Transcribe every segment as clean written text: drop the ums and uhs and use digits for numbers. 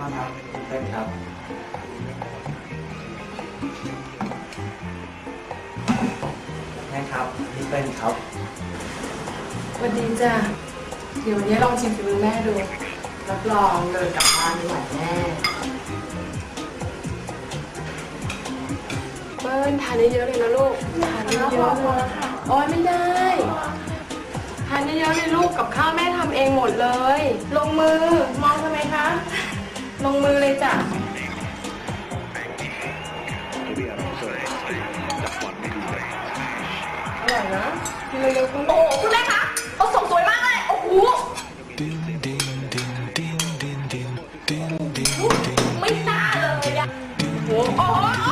อครับเป็นครับแม่ครับนี่เป็นครับสวัสดีจ้ะเดี๋ยววันนี้ลองชิมฝีมือแม่ดูรับรองเลยกลับบ้านไม่ไหวแน่เปิ้ลทานเยอะๆเลยนะลูกทานเยอะๆเลยโอ้ยไม่ได้ทานเยอะๆเลยลูกกับข้าวแม่ทำเองหมดเลย ลงมือมองทำไมคะลงมือเลยจ้ะอร่อยนะกินเร็วๆคุณโอ้โหคุณแม่คะเขาส่งสวยมากเลยโอ้โหไม่น่าเลยอะโอ้โห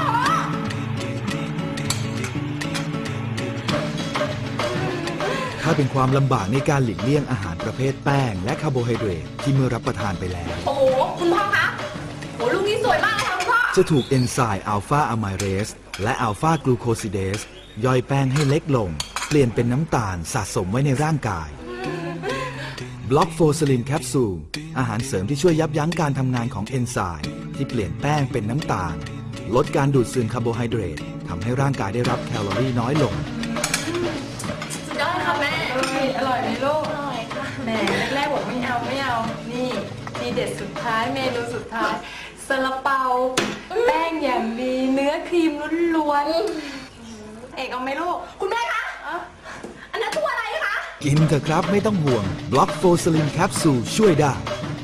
ถ้าเป็นความลำบากในการหลีกเลี่ยงอาหารประเภทแป้งและคาร์โบไฮเดรตที่เมื่อรับประทานไปแล้วโอ้โหคุณพ่อคะโอ้ลูกนี้สวยมากเลยค่ะคุณพ่อจะถูกเอนไซม์อัลฟาอะไมเรสและอัลฟากลูโคซิเดสย่อยแป้งให้เล็กลง เปลี่ยนเป็นน้ำตาลสะสมไว้ในร่างกายบล็อกโฟสลินแคปซูลอาหารเสริมที่ช่วยยับยั้งการทำงานของเอนไซม์ที่เปลี่ยนแป้งเป็นน้ำตาลลดการดูดซึมคาร์โบไฮเดรตทำให้ร่างกายได้รับแคลอรี่น้อยลงสุดยอดเลยค่ะแม่อร่อยไหมลูกอร่อยค่ะแหมแรกๆบอกไม่เอาไม่เอา นี่ทีเด็ดสุดท้ายเมนูสุดท้ายซาลาเปา แป้งอย่างดีเนื้อครีมล้วนๆเอกเอาไหมลูกคุณแม่คะอันนั้นตัวอะไรคะกินเถอะครับไม่ต้องห่วงบล็อกโฟสลินแคปซูลช่วยได้